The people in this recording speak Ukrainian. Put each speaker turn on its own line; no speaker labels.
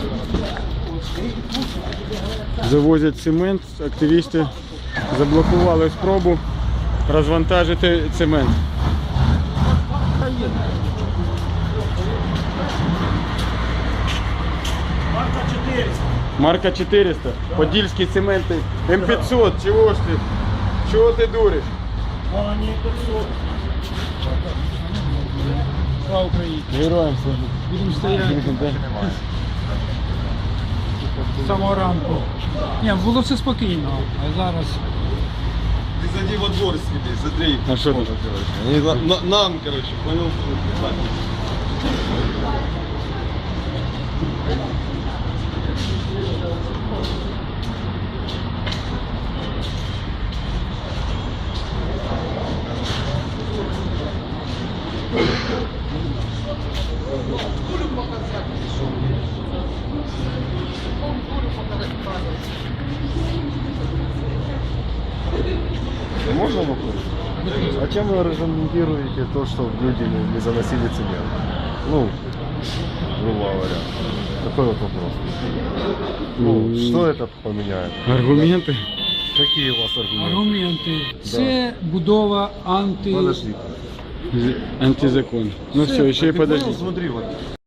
Завозять цемент, активісти заблокували спробу розвантажити цемент. Марка 400. Подільські цементи. М500. Чого ж ти? Чого ти дуриш?
Слава Україні.
Героям служу.
Будемо стояти з самого ранку. Ні, було все спокійно, а зараз...
Ты зайди во двор себе, смотри.
А що тут?
Они нам, короче, понял?
Можно вопрос? А чем вы регламентируете то, что люди не заносили цемент? Ну, грубо говоря. Такой вот вопрос. Ну, что это поменяет?
Аргументи?
Какие у вас аргументы?
Аргументи. Це будова
Подожди.
Антизакон. Ну все, ще й подожди.
Смотри, вот.